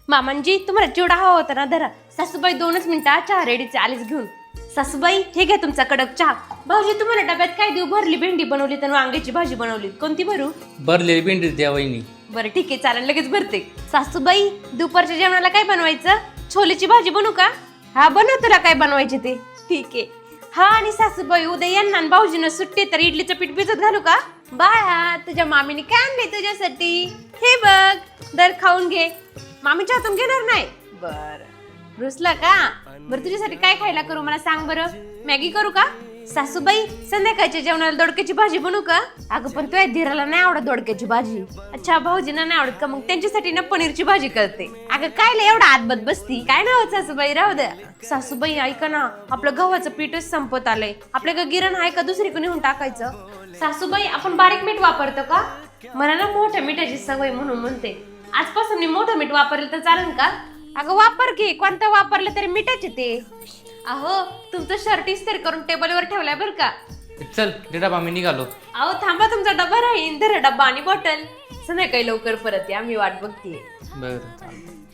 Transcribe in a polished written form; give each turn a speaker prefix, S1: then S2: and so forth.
S1: मामांजी तुम्हाला चिवडा हवा होता ना, धरा. सासूबाई 2च मिनिटं, चहा रेडीचे आलीच घेऊन. सासूबाई हे घ्या तुमचा कडक चहा. भाऊजी तुम्हाला डब्यात काय देऊ? भरली भेंडी बनवली तर वांग्याची भाजी बनवली, कोणती भरू?
S2: भरलेली भेंडी द्या वहिनी.
S1: बरं ठीक आहे, चालेल, लगेच भरते. सासूबाई दुपारच्या जेवणाला काय बनवायचं? छोलेची भाजी बनवू का? हा बनव, तुला काय बनवायचे ते. ठीक आहे. हा आणि सासूबाई उद्या यांना आणि भाऊजींना सुट्टी, तर इडलीचं पीठ भिजत घालू का? बाळा तुझ्या मामीने काय आणले तुझ्यासाठी? हे बघ, दर खाऊन घे. मामीच्या हातून घेणार नाही? बर रुसला का? बरं तुझ्यासाठी काय खायला करू मला सांग बरं. मॅगी करू का? सासूबाई संध्याकाळच्या जेवणाला दोडक्याची भाजी बनवू का? अगं पण तुझ्या धीराला नाही आवडत दोडक्याची भाजी. अच्छा, भाऊजींना नाही आवडत का? मग त्यांच्यासाठी ना पनीरची भाजी करते. अगं काय एवढा आतबत बसती, काय नाव सासूबाई? राहू द्या. सासूबाई ऐका ना, आपलं गव्हाचं पीठच संपत आलंय. आपल्याकडे गिरण आहे का? दुसरी कोणी होऊन टाकायचं. सासूबाई आपण बारीक मीठ वापरतो का? मला ना मोठ्या मिठाची सवय म्हणून म्हणते. आजपासून मी मोठं मीठ वापरलं तर चालेल का? अगं वापर की, कोणतं वापरलं तरी मिठाचे ते. अहो तुमचं शर्ट इस्त्री करून टेबलवर ठेवलाय बरं का.
S2: चल ते डबा मी निघालो.
S1: अहो थांबा, तुमचा डबा राहील. धरा डब्बा आणि बॉटल. संध्याकाळी लवकर परत या, मी वाट बघतीये.
S2: बरं.